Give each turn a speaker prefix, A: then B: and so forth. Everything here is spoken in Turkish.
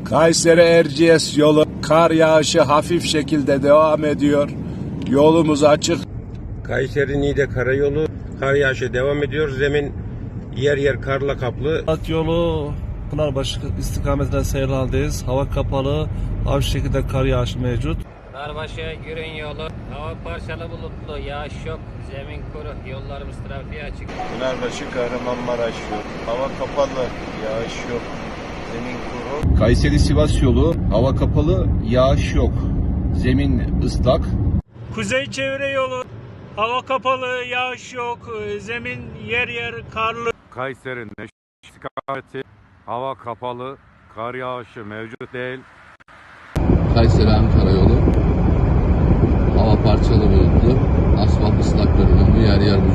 A: Kayseri Erciyes yolu kar yağışı hafif şekilde devam ediyor. Yolumuz açık.
B: Kayseri Niğde karayolu kar yağışı devam ediyor. Zemin yer yer karla kaplı.
C: At yolu Pınarbaşı istikametinden seyir haldeyiz. Hava kapalı, hafif şekilde kar yağışı mevcut.
D: Pınarbaşı Gürün yolu hava parçalı bulutlu, yağış yok, zemin kuru, yollarımız trafiğe açık.
E: Pınarbaşı Kahramanmaraş yolu hava kapalı, yağış yok, zemin kuru.
F: Kayseri Sivas yolu hava kapalı, yağış yok, zemin ıslak.
G: Kuzey çevre yolu hava kapalı, yağış yok, zemin yer yer karlı.
H: Kayseri Neşet istikameti hava kapalı, kar yağışı mevcut değil.
I: Kayseri Ankara yolu hava parçalı bulutlu, asfalt ıslak görünümlü, yer yer